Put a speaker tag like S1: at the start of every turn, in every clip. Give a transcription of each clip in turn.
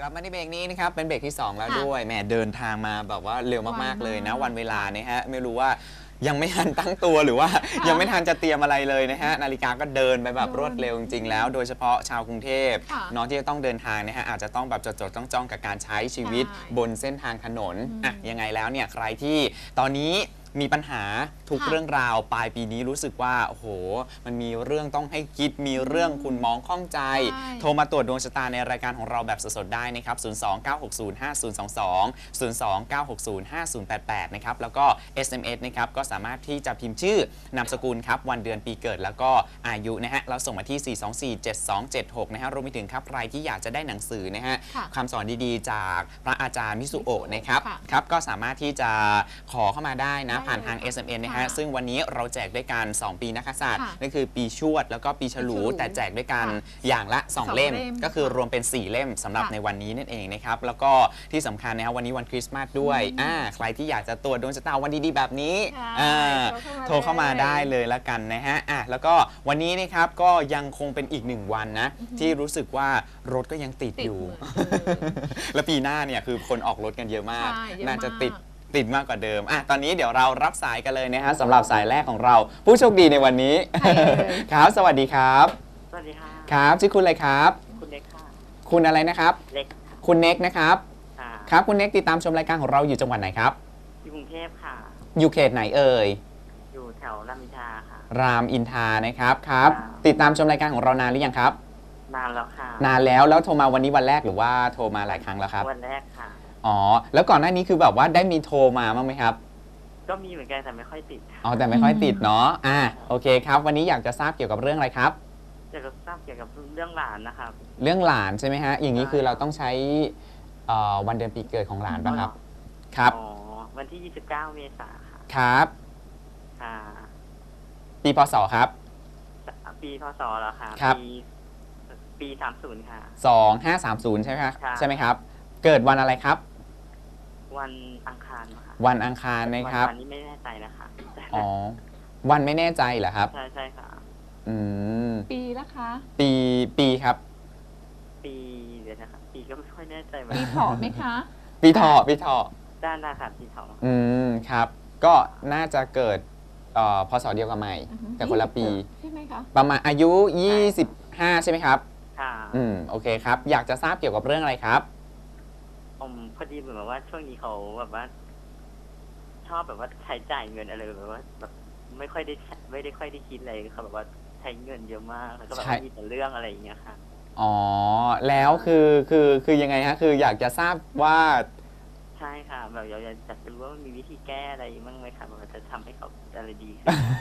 S1: ลับมาในเบรกนี้นะครับเป็นเบรกที่2แล้วด้วยแหมเดินทางมาแบบว่าเร็วมากๆเลยนะวันเวลาเนี่ยฮะไม่รู้ว่ายังไม่ทันตั้งตัวหรือว่ายังไม่ทันจะเตรียมอะไรเลยนะฮะนาฬิกาก็เดินไปแบบรวดเร็วจริงๆแล้วโดยเฉพาะชาวกรุงเทพน้องที่จะต้องเดินทางนะฮะอาจจะต้องแบบจดๆจ้องๆกับการใช้ชีวิตบนเส้นทางถนนอ่ะยังไงแล้วเนี่ยใครที่ตอนนี้มีปัญหาทุกเรื่องราวปลายปีนี้รู้สึกว่าโอ้โหมันมีเรื่องต้องให้คิดมีเรื่องคุณมองข้องใจโทรมาตรวจดวงชะตาในรายการของเราแบบสดๆได้นะครับ029605022 029605088นะครับแล้วก็ SMS นะครับก็สามารถที่จะพิมพ์ชื่อนามสกุลครับวันเดือนปีเกิดแล้วก็อายุนะฮะเราส่งมาที่ 4247276นะฮะรวมไปถึงครับใครที่อยากจะได้หนังสือนะฮะคำสอนดีๆจากพระอาจารย์มิสุโอะนะครับครับก็สามารถที่จะขอเข้ามาได้นะผ่านทาง SMS นะฮะซึ่งวันนี้เราแจกด้วยกัน2ปีนักกษัตริย์นั่นคือปีชวดแล้วก็ปีฉลูแต่แจกด้วยกันอย่างละ2เล่มก็คือรวมเป็น4เล่มสำหรับในวันนี้นั่นเองนะครับแล้วก็ที่สำคัญนะครับวันนี้วันคริสต์มาสด้วยใครที่อยากจะตรวจดวงชะตาวันดีๆแบบนี้โทรเข้ามาได้เลยละกันนะฮะแล้วก็วันนี้นะครับก็ยังคงเป็นอีก1วันนะที่รู้สึกว่ารถก็ยังติดอยู่แล้วปีหน้าเนี่ยคือคนออกรถกันเยอะมากน่าจะติดมากกว่าเดิมตอนนี้เดี๋ยวเรารับสายกันเลยนะฮะสำหรับสายแรกของเราผู้โชคดีในวันนี้ครับสวัสดีครับ
S2: สวัสดีค่ะ
S1: ครับชื่อคุณอะไรครับ
S2: คุณเน็กค่ะ
S1: คุณอะไรนะครับ
S2: เล็ก
S1: คุณเน็กนะครับครับคุณเน็กติดตามชมรายการของเราอยู่จังหวัดไหนครับ
S2: อยู่กรุงเทพค่ะ
S1: อยู่เขตไหนเอ่ย
S2: อยู่แถวรามอินทราค่ะ
S1: รามอินทรานะครับครับติดตามชมรายการของเรานานหรือยังครับ
S2: นานแล้วค่ะ
S1: นานแล้วโทรมาวันนี้วันแรกหรือว่าโทรมาหลายครั้งแล้วครับ
S2: วันแรกค่ะ
S1: อ๋อแล้วก่อนหน้านี้คือแบบว่าได้มีโทรมาบ้างไหมครับ
S2: ก็มีเหมือนกันแต่ไม่ค่อยติด
S1: อ๋อแต่ไม่ค่อยติดเนาะโอเคครับวันนี้อยากจะทราบเกี่ยวกับเรื่องอะไรครับ
S2: อยากจะทราบเกี่ยวกับเรื่องหลานนะครับ
S1: เรื่องหลานใช่ไหมฮะอย่างนี้คือเราต้องใช้วันเดือนปีเกิดของหลานป่ะครับครับ
S2: อ๋อวันที่29เมษายนค่ะ
S1: ครับ
S2: ค่ะ
S1: ปีพศครับ
S2: ปีพศเหรอคะ
S1: ครับ
S2: ปี30ค่ะ
S1: 2530ใช่ไหมครับใช่ไหมครับเกิดวันอะไรครับ
S2: วันอังคารค่ะ
S1: วันอังคารนะครับ
S2: วันนี้ไม่แน่ใจนะคะ
S1: อ๋อวันไม่แน่ใจเหรอครับ
S2: ใช่ค่ะ
S3: ปีละคะ
S1: ปีครับ
S2: ปีเดี๋ยวนะครับปีก็ไม่ค่อยแน่ใจ
S3: ปีเถาะไหมคะ
S1: ปีเถาะ
S2: ด้านหน้าค่ะปีเถาะ
S1: ครับก็น่าจะเกิดพศเดียวกับใหม่แต่คนละปี
S3: ใช่ไหมคะ
S1: ประมาณอายุ25ใช่ไหมครับ
S2: ค่ะ
S1: โอเคครับอยากจะทราบเกี่ยวกับเรื่องอะไรครับ
S2: พอดีเหมือนแบบว่าช่วงนี้เขาแบบว่าชอบแบบว่าใช้จ่ายเงินอะไรแบบว่าแบบไม่ค่อยได้คิดอะไรเขาแบบว่าใช้เงินเยอะมากแล้วก็แบบมีแต่เรื่องอะไรอย่างเงี้ยค่ะ
S1: อ๋อแล้วคือยังไงฮะคืออยากจะทราบว่า
S2: ใช่ค่ะแบบอยากจะรู้ว่ามีวิธีแก้อะไรบ้างไหมคะแบบจะทำให้เขาอะไรดี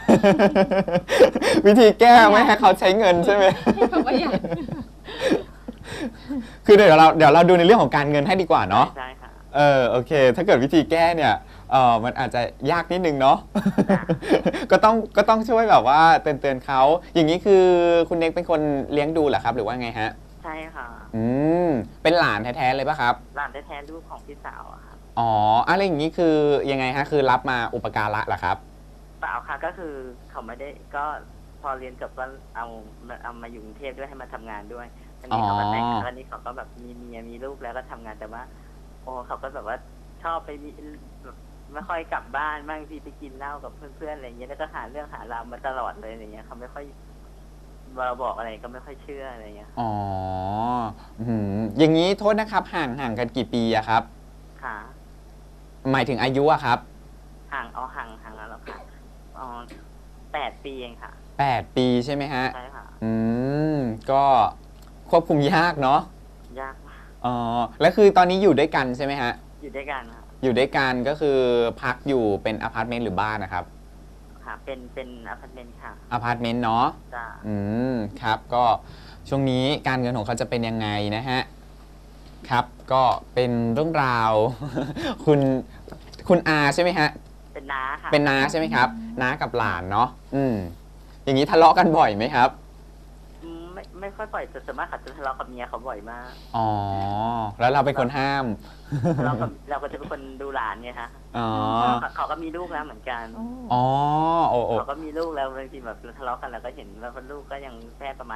S1: วิธีแก้ไม่ให้เขาใช้เงินใช่ไหมคือเดี๋ยวเราดูในเรื่องของการเงินให้ดีกว่าเนาะ
S2: ใช่ค่ะ
S1: โอเคถ้าเกิดวิธีแก้เนี่ยมันอาจจะยากนิดนึงเนาะก็ต้องช่วยแบบว่าเตือนเขาอย่างนี้คือคุณเน็กเป็นคนเลี้ยงดูเหรอครับหรือว่าไงฮะ
S2: ใช่ค่ะ
S1: เป็นหลานแท้ๆเลยป่ะครับ
S2: หลานแท้ๆลูกของพี่สาวอะครับ
S1: อ๋ออะไรอย่างนี้คือยังไงฮะคือรับมาอุปการะเหรอครับ
S2: เปล่าค่ะก็คือเขาไม่ได้ก็พอเรียนจบก็เอามาอยู่กรุงเทพด้วยให้มาทำงานด้วยอันนี้เขาก็แต่งอันนี้เขาก็แบบมีเมียมีลูกแล้วก็ทำงานแต่ว่าโอ้เขาก็แบบว่าชอบไปมีแบบไม่ค่อยกลับบ้านบางทีไปกินเหล้ากับเพื่อนๆอะไรเงี้ยแล้วก็หาเรื่องหาราวมาตลอดเลยอะไรเงี้ยเขาไม่ค่อยเราบอกอะไรก็ไม่ค่อยเชื่ออะไรเงี้ย
S1: อ๋ออย่างนี้โทษนะครับห่างกันกี่ปีอะครับ
S2: ค่ะ
S1: หมายถึงอายุอะครับ
S2: ห่างแล้วหรอค่ะ8 ปีเองค่ะ
S1: 8 ปีใช่ไหมฮะ
S2: ใช่ค่ะ
S1: ก็ควบคุมยากเนาะ
S2: ยากมาก
S1: แล้วคือตอนนี้อยู่ด้วยกันใช่ไหมฮะ
S2: อยู่ด้วยกันค่ะ
S1: อยู่ด้วยกันก็คือพักอยู่เป็นอพาร์ตเมนต์หรือบ้านนะครับ
S2: ค่ะเป็นอพาร์ตเมนต์ค่ะ
S1: อพาร์ตเมนต์เนาะ
S2: จ้า
S1: ครับก็ช่วงนี้การเงินของเขาจะเป็นยังไงนะฮะครับก็เป็นเรื่องราวคุณอาใช่ไหมฮะ
S2: เป็นน้าค่ะ
S1: เป็นน้าใช่ไหมครับน้ากับหลานเนาะอย่างนี้ทะเลาะกันบ่อยไหมครับ
S2: ไม่ค่อยบ่อยแต่ส่วนมากเขาจะทะเลาะกับเมียเขาบ่อยมาก
S1: อ๋อแล้วเราเป็นคนห้าม
S2: เราก็จะเป็นคนดูหลานไงคะเขาก็มีลูกแล้วเหมือนกัน
S1: อ๋อโอ้
S2: เขาก็มีลูกแล้วบางทีแบบทะเลาะกันแล้วก็เห็นว่าลูกก็ยังแค่ประมาณ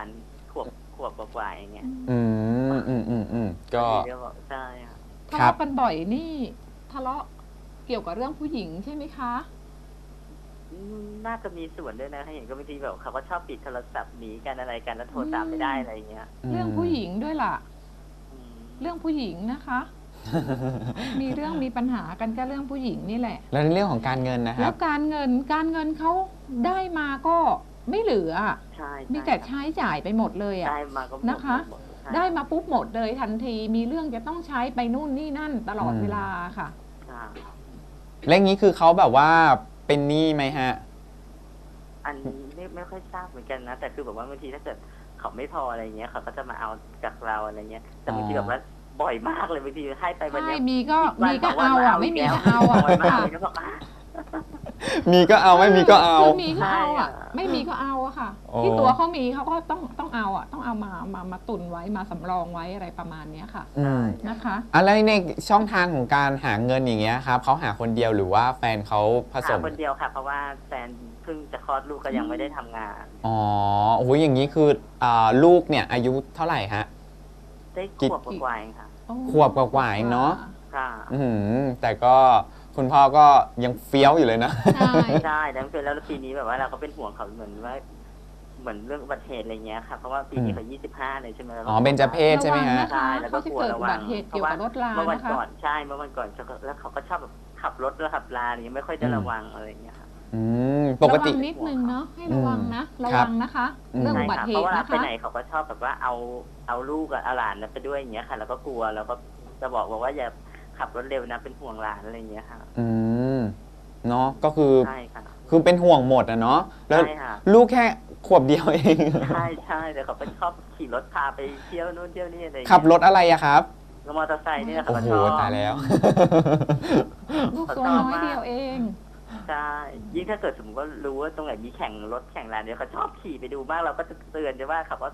S2: ขวบกว่าๆอย่างเงี้ย
S1: ก็
S2: เดี๋ยวบอกใช่ค่ะ
S3: ทะเลาะกันบ่อยนี่ทะเลาะเกี่ยวกับเรื่องผู้หญิงใช่ไหมคะ
S2: น่าจะมีส่วนด้วยนะให้เห็นก็บางทีแบบเขาก็ชอบปิดโทรศัพท์หนีกันอะไรกันแล้วโทรตามไม่ได้อะไรอย่างเงี้ย
S3: เรื่องผู้หญิงด้วยล่ะ
S2: อืม
S3: เรื่องผู้หญิงนะคะ มีเรื่องมีปัญหากันก็เรื่องผู้หญิงนี่แหละ
S1: แล้วในเรื่องของการเงินนะค
S3: แล้
S1: รั
S3: ว
S1: บ
S3: การเงินเขาได้มาก็ไม่เหลือ
S2: ใช่
S3: มีแต่
S2: ครับ
S3: ใช้จ่ายไปหมดเลยอ่ะ
S2: ได้มาก็หมด
S3: นะคะ
S2: หมดใช่
S3: ได้มาปุ๊บหมดเลยทันที มีเรื่องจะต้องใช้ไปนู่นนี่นั่นตลอดเวลาค่ะ
S2: ใช่
S1: แล้วอย่างนี้คือเขาแบบว่าเป็นหนี้ไหมฮะ
S2: อันนี้ไม่ค่อยทราบเหมือนกันนะแต่คือแบบว่าบางทีถ้าเกิดเขาไม่พออะไรเงี้ยเขาก็จะมาเอาจากเราอะไรเงี้ยแต่บางทีแบบว่าบ่อยมากเลยบางทีให้ไปวัน
S3: ใช่
S2: เนี้ย
S3: มีก็
S2: วัน
S3: มีก็
S2: สงวัน
S3: เอาอ่ะ
S2: ก
S3: ไม่มี
S2: แล้ว
S3: ก็เอาอ่ะ
S2: วันมา
S3: ค่ะ
S2: เอาอีกแล้วบอก
S1: มีก็เอาไม่มีก็เอา
S3: คือมีก็เอาอ่ะ
S2: ใช่อะ
S3: ไม่มีก็เอาอะค่ะ
S1: โอ้
S3: ที่ตัวเขามีเขาก็ต้องเอาอ่ะ ต้องเอามาตุนไว้มาสำรองไว้อะไรประมาณเนี้ยค่ะ
S1: อืม
S3: นะคะ
S1: อะไรในช่องทางของการหาเงินอย่างเงี้ยครับเขาหาคนเดียวหรือว่าแฟนเขาผส
S2: หาม คนเดียวค่ะ เพราะว่าแฟนเพิ่งจะคลอดลูกก็ยังไม่ได้ทำงาน
S1: อ๋อโอ้โหอย่างนี้คือลูกเนี่ยอายุเท่าไหร่ฮะ
S2: ได้ขวบกว่าๆเองค่ะ
S1: ขวบกว่าๆเองเนอะ
S2: ค่ะ
S1: แต่ก็คุณพ่อก็ยังเฟี้ยวอยู่เลยนะ
S3: ใช่
S2: ใช่แล้วเป็นแล้วปีนี้แบบว่าเราก็เป็นห่วงเขาเหมือนว่าเหมือนเรื่องอุบัติเหตุอะไรเงี้ยค่ะเพราะว่าปีนี้เขา25เลยใช่ไหมแล้ว
S1: อ๋อเบญจเพศใช่ไหมฮะ
S3: ระวังนะคะ
S2: ใช่แล้วก็
S3: เขาจะ
S2: กลัว
S3: เกิด
S2: ระ
S3: อุ
S2: วั
S3: บั
S2: ง
S3: ติเหตุเกี่ยวกับรถรา
S2: เมื่อวัน
S3: นะคะ
S2: ก่อนใช่เมื่อวันก่อนแล้วเขาก็ชอบแบบขับรถแล้วขับลาอะไรเงี้ยไม่ค่อยได้ระวังอะไรเงี้ยค่ะ
S1: ปกติ
S3: ระวังนิดนึงเนาะให้ระวังนะ ระ
S1: ครั
S3: วั
S1: บ
S3: งนะคะ
S1: อืม
S3: เรื่อง
S2: ใช่
S3: อุบัติ
S2: ค่ะ
S3: เห
S2: เพราะ
S3: ตุ
S2: ว่า
S3: นะ
S2: ไป
S3: คะ
S2: ไหนเขาก็ชอบแบบว่าเอาลูกกับเอาหลานไปด้วยอย่างเงี้ยค่ะ แล้วก็กลัวแล้วก็จะบอกว่าอย่าขับรถเร็วนะเป็นห่วงหลานอะไรเงี้ยค่ะ
S1: อืมเนาะก็คือ
S2: ใช่ค่ะ
S1: คือเป็นห่วงหมดอะเนาะแล้ว
S2: ใช่ค่ะ
S1: ลูกแค่ขวบเดียวเอง
S2: ใช่ใช่แต่เขาก็ชอบขี่รถพาไปเที่ยวนู่นเที่ยวนี่อะไรเงี้ย
S1: ขับรถอะไรอะครับ
S2: แล้วมอเตอร์ไซค์นี่นะ
S1: โอ้
S2: เขา
S1: โห
S2: ชอบ
S1: ตายแล้ว
S3: ลูกตัวน้อยเดียวเอง
S2: ใช่ยิ่งถ้าเกิดสมมติว่ารู้ว่าตรงไหนมีแข่งรถแข่งลานเดียวเขาชอบขี่ไปดูมากเราก็จะเตือนจะว่าเขาว่า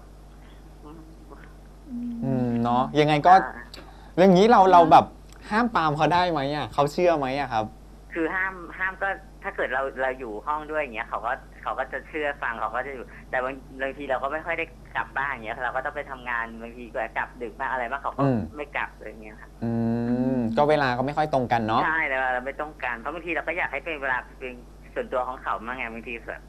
S2: อืม
S1: เนาะยังไงก็เรื่องนี้เราแบบห้ามปรามเขาได้ไหมอะเขาเชื่อไหมอะครับ
S2: คือห้ามก็ถ้าเกิดเราอยู่ห้องด้วยอย่างเงี้ยเขาก็จะเชื่อฟังเขาก็จะอยู่แต่บางทีเราก็ไม่ค่อยได้กลับบ้านอย่างเงี้ยเราก็ต้องไปทำงานบางทีก็กลับดึกมากอะไรมากเขาก็
S1: อืม
S2: ไม่กลับเลยอย่างเงี้ยครับ
S1: ก็เวลาก็ไม่ค่อยตรงกันเนาะ
S2: ใช่แต่ว่าเราไม่ต้องการเพราะบางทีเราก็อยากให้เป็นเวลาเป็นส่วนตัวของเขามากไงบางทีแบบ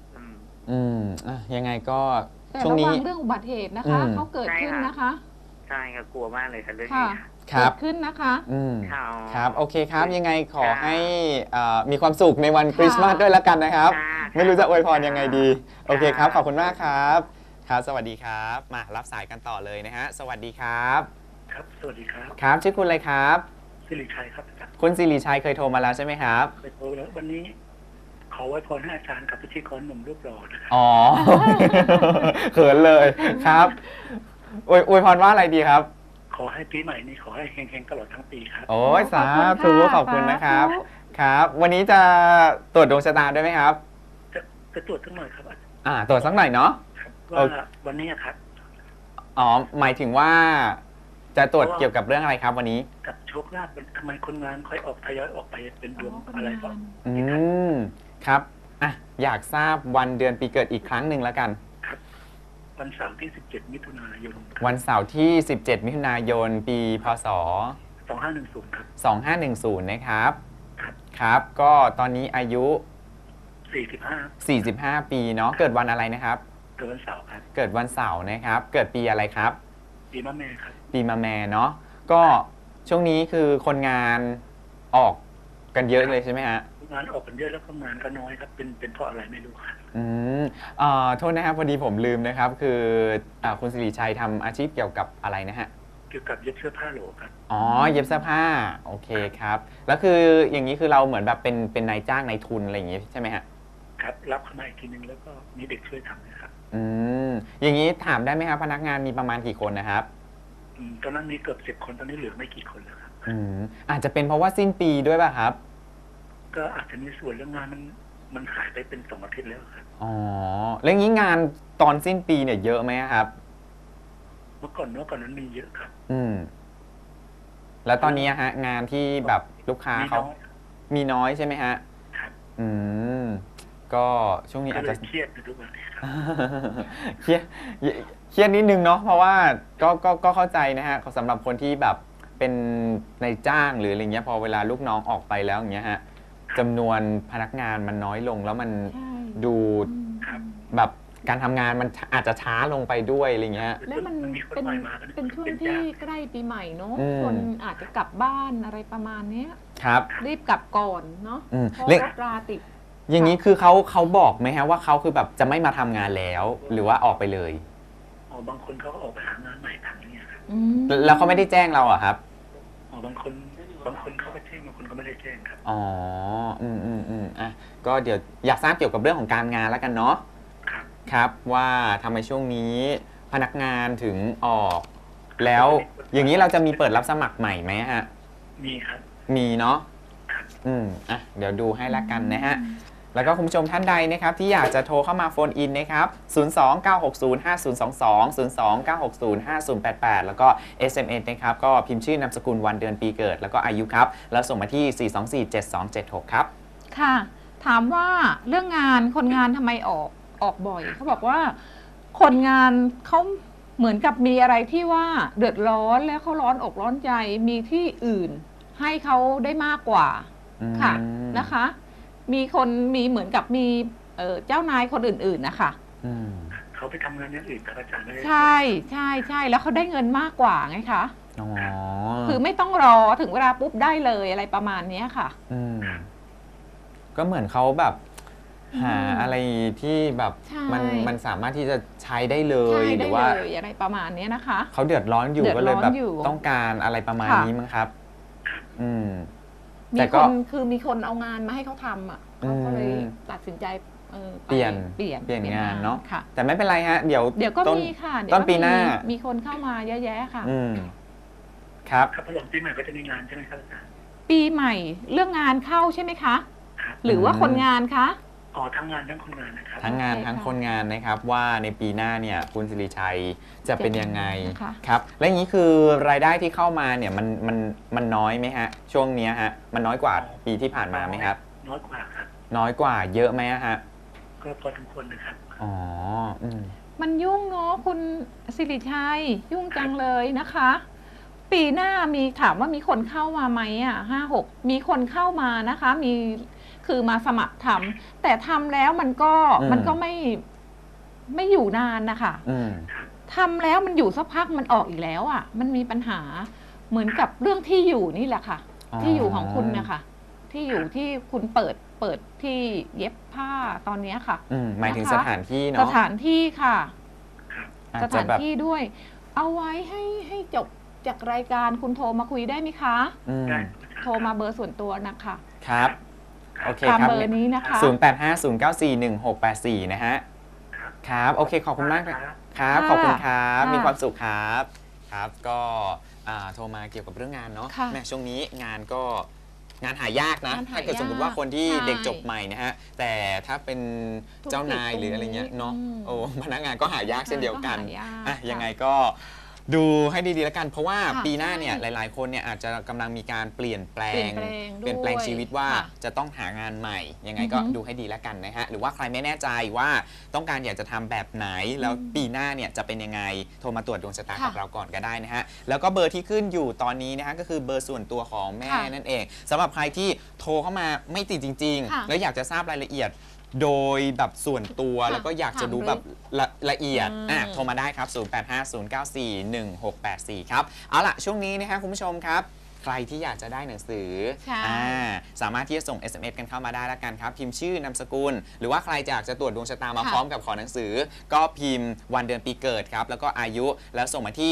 S1: ยังไงก็
S3: แต่
S1: ช่วง
S3: ระ
S1: นี้
S3: วังเรื่องอุบัติเหตุนะคะ
S1: อืม
S3: เขาเกิดขึ้นนะคะ
S2: ใช่ครับกลัวมากเลยครับเรื่อง
S3: ค่ะ
S2: นี้
S1: ครับ
S3: เกิดขึ้นนะคะ
S1: ครับโอเคครับยังไงขอให้มีความสุขในวันคริสต์มาสด้วยแล้วกันนะครับ ไม่รู้จะอวยพรยังไงดี โอเคครับ ขอบคุณมากครับ ครับ สวัสดีครับ มารับสายกันต่อเลยนะฮะ สวัสดีครับ
S4: ครับ สวัสดีครับ
S1: ครับ ชื่อคุณอะไรครับ
S4: สิริชัยครับ
S1: คุณสิริชัยเคยโทรมาแล้วใช่ไหมครับ
S4: ไปโทรแล้ววันนี้ ขอไว้พรให้อาจารย์กับพิธีกรหนุ่มรูปหล่อนะครับ
S1: อ๋อ เขินเลยครับอวยพรว่าอะไรดีครับ
S4: ขอให้ปีใหม่นี้ขอให้เฮงๆตลอดทั้งปีครับ
S1: โอ้ยสาธุ
S3: ข
S1: ข
S3: อ
S1: อ
S3: บบ คุ
S1: คุณ
S3: ณ
S1: นะ
S3: นะ
S1: ค
S3: ครั
S1: รับ
S3: บ
S1: ครับ วันนี้จะตรวจดวงชะตาด้วยไหมครับ
S4: จะตรวจสักหน่อยครับ
S1: ตรวจสักหน่อยเนาะ
S4: ว่าวันนี้ครับ
S1: อ๋อ หมายถึงว่าจะตรวจเกี่ยวกับเรื่องอะไรครับวันนี้
S4: กับโชคลาภทำไมคนงานค่อยออกทยอยออกไปเป็นดวงอะไรก็
S1: อืม ครับ อยากทราบวันเดือนปีเกิดอีกครั้งหนึ่งแล้วกัน
S4: วันเสาร์ที่ 17 มิถุนายน
S1: วันเสาร์ที่ 17 มิถุนายน ปีพศ
S4: 2510 ครับ
S1: 2510 นะครับ
S4: ครับ
S1: ครับ ก็ตอนนี้อายุ
S4: 45
S1: 45 ปีเนาะ เกิดวันอะไรนะครับ
S4: เกิดวันเสาร์ครับ
S1: เกิดวันเสาร์นะครับ เกิดปีอะไรครับ
S4: ปีมะแม่ครับ
S1: ปีมะแม่เนาะ ก็ช่วงนี้คือคนงานออกกันเยอะเลยใช่ไหมฮะ
S4: งานออกกันเยอะแล้วก็งานก็น้อยครับ เป็นเพราะอะไรไม่รู้ครับ
S1: โทษนะครับพอดีผมลืมนะครับ คือคุณสิริชัยทำอาชีพเกี่ยวกับอะไรนะฮะ
S4: เกี่ยวกับเย็บเสื้อผ้าโหลครับ
S1: อ๋อ เย็บเสื้อผ้า โอเคครับ แล้วคืออย่างนี้คือเราเหมือนแบบเป็นนายจ้างนายทุนอะไรอย่างงี้ใช่ไหมฮะ
S4: ครับ รับเข้ามาอีกทีนึงแล้วก็มีเด็กช่วยทำนะครับ
S1: อย่างนี้ถามได้ไหมครับพนักงานมีประมาณกี่คนนะครับ
S4: ตอนนั้นมีเกือบ10 คนตอนนี้เหลือไม่กี่คนแล้วครับ
S1: อาจจะเป็นเพราะว่าสิ้นปีด้วยป่ะครับ
S4: ก็อาจจะมีส่วนเรื่องงานมันหายไปเป็น2 อาทิตย์แล้วครับ
S1: อ๋อ แล้วอย่างนี้งานตอนสิ้นปีเนี่ยเยอะไหมครับ
S4: เมื่อก่อนนั้นมีเยอะครับ
S1: แล้วตอนนี้ฮะงานที่แบบลูกค้า
S4: มี
S1: เขา
S4: น้อย
S1: มีน้อยใช่ไหมฮะ
S4: ครับ
S1: อืมก็ช่วงนี้
S4: ก็
S1: อาจ
S4: เล
S1: จะ
S4: ยเครียดอยู่ทุกวันนี้ครับ
S1: เครียดเครียดนิดนึงเนาะเพราะว่าก็เข้าใจนะฮะสำหรับคนที่แบบเป็นนายจ้างหรืออะไรเงี้ยพอเวลาลูกน้องออกไปแล้วอย่างเงี้ยฮะจำนวนพนักงานมันน้อยลงแล้วมัน
S3: ใช่
S1: ดู
S4: ครับ
S1: แบบการทำงานมันอาจจะช้าลงไปด้วยอะไรเงี้ย
S3: แล้วมัน
S4: มีคน
S3: เป็น
S4: ใหม่มากัน
S3: เป็นช่วง
S4: เป็น
S3: ที่
S4: ยาก
S3: ใกล้ปีใหม่เนาะ
S1: อืม
S3: คนอาจจะกลับบ้านอะไรประมาณเนี้ย
S1: ครับ
S3: รีบกลับก่อนเนาะ
S1: อืม
S3: เพราะ
S1: เรื่อง
S3: รถราติด
S1: อย่างนี้คือเขาบอกไหมฮะว่าเขาคือแบบจะไม่มาทำงานแล้ว หรือว่าออกไปเลย
S4: อ๋อบางคนเขาก็ออกไปหางานใหม่ทำเนี่ยครับ
S3: อืม
S1: แล้วเขาไม่ได้แจ้งเราอะครับ
S4: อ๋อบางคนเขาก็แจ้งบางคนก็ไม่ได้แจ้งครับ
S1: อ๋ออ่ะก็เดี๋ยวอยากทราบเกี่ยวกับเรื่องของการงานแล้วกันเนาะ
S4: ครับ
S1: ครับว่าทำไมช่วงนี้พนักงานถึงออก แล้วอย่างนี้เราจะมีเปิดรับสมัครใหม่ไหมฮะ
S4: มีครับ
S1: มีเนาะ
S4: ครับ
S1: อ่ะเดี๋ยวดูให้ละกันนะฮะ แล้วก็คุณผู้ชมท่านใดนะครับที่อยากจะโทรเข้ามาโฟนอินนะครับ 029605022 029605088 แล้วก็ SMS นะครับก็พิมพ์ชื่อนามสกุลวันเดือนปีเกิดแล้วก็อายุครับ แล้วส่งมาที่ 4247276 ครับ
S3: ค่ะ ถามว่าเรื่องงานคนงานทำไมออกบ่อยเขาบอกว่าคนงานเขาเหมือนกับมีอะไรที่ว่าเดือดร้อนแล้วเขาร้อนอกร้อนใจมีที่อื่น ให้เขาได้มากกว่าค่ะนะคะ มีคนมีเหมือนกับมีเจ้านายคนอื่นๆนะคะ
S4: เขาไปทำงานอย่างอื่นครับอาจารย์ไม่ได้
S3: ใช่ใช่ใช่แล้วเขาได้เงินมากกว่าไงคะ
S1: อ๋อ
S3: คือไม่ต้องรอถึงเวลาปุ๊บได้เลยอะไรประมาณเนี้ยค่ะ
S1: ก็เหมือนเขาแบบหาอะไรที่แบบ
S3: ใช่
S1: มันสามารถที่จะใช้ได้เล
S3: ใช่
S1: ยห
S3: ได้
S1: รือ
S3: เล
S1: ว่า
S3: ยอะไรประมาณเนี้ยนะคะ
S1: เขาเดือดร้อนอยู่
S3: เดือด
S1: ก็เลยแบบ
S3: ร้อนอยู่
S1: ต้องการอะไรประมาณ
S3: ค่ะ
S1: นี้มั้งครับ อืม
S3: มี
S1: แต่
S3: ค
S1: ก็
S3: นคือมีคนเอางานมาให้เขาทำอ่ะเขาก็เลยตัดสินใจไป
S1: เปลี่ยนงานเนาะ
S3: ค่ะ
S1: แต่ไม่เป็นไรฮะเดี๋ยว
S3: เดี๋ยวก็
S1: ต้น
S3: มีค่ะเดี๋ยว
S1: ต้น
S3: ก็
S1: ปีหน้า
S3: มีคนเข้ามาเยอะแยะค่ะ
S1: ครับ
S4: ครับพอหลังปีใหม่ก็จะมีงานใช่ไหมครับอาจารย์
S3: ปีใหม่เรื่องงานเข้าใช่ไหมคะ
S4: ครับ
S3: หรือว่าคนงานคะ
S4: อ๋อทั้งงานทั้งคนงานนะครับ
S1: ทั้งงาน
S3: ใช่ค่ะ
S1: ทั้งคนงานนะครับว่าในปีหน้าเนี่ยคุณสิริชัยจะเป็นยังไง
S3: นะคะ
S1: ครับ และอย่างนี้คือรายได้ที่เข้ามาเนี่ยมันน้อยไหมฮะ ช่วงเนี้ยฮะมันน้อยกว่าปีที่ผ่านมาไหมครับ
S4: น้อยกว่าครับ
S1: น้อยกว่าเยอะไหมฮะ
S4: ก็พอสมควรนะครับ
S1: อ๋อ
S3: มันยุ่งเนาะคุณสิริชัยยุ่งจังเลยนะคะ ปีหน้ามีถามว่ามีคนเข้ามาไหมอ่ะ5-6มีคนเข้ามานะคะ มีคือมาสมัครทำแต่ทำแล้วมันก็ไม่อยู่นานนะคะทำแล้วมันอยู่สักพักมันออกอีกแล้วอ่ะ มันมีปัญหาเหมือนกับเรื่องที่อยู่นี่แหละค่ะ ที่อยู่ของคุณนะคะที่อยู่ที่คุณเปิดที่เย็บผ้าตอนนี้ค่ะ
S1: หมายถึง
S3: นะคะ
S1: สถานที่
S3: ส
S1: เนาะ
S3: ถานที่ค่ะ
S1: อาจ
S3: ส
S1: จะ
S3: ถาน
S1: แบบ
S3: ที่ด้วย เอาไว้ให้จบจากรายการคุณโทรมาคุยได้ไหมคะ
S4: ได้
S3: โทรมาเบอร์ส่วนตัวนะคะ
S1: ครับโอเค
S3: ตาม
S1: ครับ
S3: เบอร์นี้นะคะ
S1: 0850941684นะฮะครับโอเคขอบคุณมากครับขอบคุณครับมีความสุขครับครับก็โทรมาเกี่ยวกับเรื่องงานเนาะแม่ช่วงนี้งานก็งานหายากนะถ้าเกิดสมมติว่าคนที่เด็กจบใหม่นะฮะแต่ถ้าเป็นเจ้านายหรืออะไรเงี้ยเนาะโอ้พนักงานก็หายากเช่นเดียวกันยังไงก็ดูให้ดีๆแล้วกัน เพราะว่าปีหน้าเนี่ยหลายๆคนเนี่ยอาจจะกำลังมีการเปลี่ยนแปลงชีวิตว่าจะต้องหางานใหม่ยังไงก็ดูให้ดีแล้วกันนะฮะหรือว่าใครไม่แน่ใจว่าต้องการอยากจะทำแบบไหนแล้วปีหน้าเนี่ยจะเป็นยังไงโทรมาตรวจดวงชะตากับเราก่อนก็ได้นะฮะแล้วก็เบอร์ที่ขึ้นอยู่ตอนนี้นะฮะก็คือเบอร์ส่วนตัวของแม่นั่นเองสำหรับใครที่โทรเข้ามาไม่ติดจริงๆแล้วอยากจะทราบรายละเอียดโดยแบบส่วนตัวแล้วก็อยากจะรู้แบบละเอียดโทรมาได้ครับ 0850941684 ครับเอาล่ะช่วงนี้นะฮะคุณผู้ชมครับใครที่อยากจะได้หนังสือสามารถที่จะส่ง SMS กันเข้ามาได้แล้วกันครับพิมพ์ชื่อนามสกุลหรือว่าใครอยากจะตรวจดวงชะตามาพร้อมกับขอหนังสือก็พิมพ์วันเดือนปีเกิดครับแล้วก็อายุแล้วส่งมาที่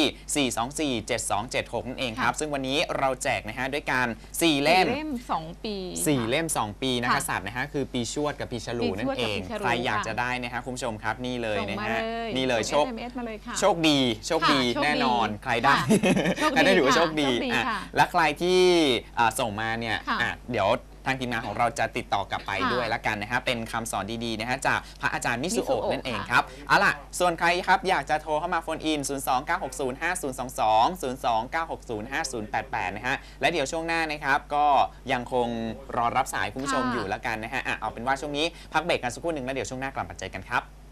S1: 4247276 นั่นเองครับซึ่งวันนี้เราแจกนะฮะด้วยการ4 เล่ม
S3: 2 ปี
S1: 4 เล่ม 2 ปีนักกษัตริย์นะฮะคือปีชวดกับปีฉลูนั่นเองใครอยากจะได้นะฮะคุณผู้ชมครับนี่เลยนะฮะนี่เลยโชคดีแน่นอนใครได้ใครได้ถือว่าโชคดีและใครที่ส่งมาเนี่ยเดี๋ยวทางทีมงานของเราจะติดต่อกลับไป
S3: ค่ะ
S1: ด้วยละกันนะฮะเป็นคำสอนดีๆนะฮะจากพระอาจารย์มิสุโอะ
S3: มิสุโอะ
S1: นั่นเอง
S3: ค่ะ
S1: ครับเอาล่ะส่วนใครครับอยากจะโทรเข้ามาโฟนอิน 029605022 029605088 นะฮะและเดี๋ยวช่วงหน้านะครับก็ยังคงรอรับสายคุณผู้ชมอยู่ละกันนะฮะเอาเป็นว่าช่วงนี้พักเบรกกันสักครู่หนึ่งแล้วเดี๋ยวช่วงหน้ากลับมาเจอกันครับ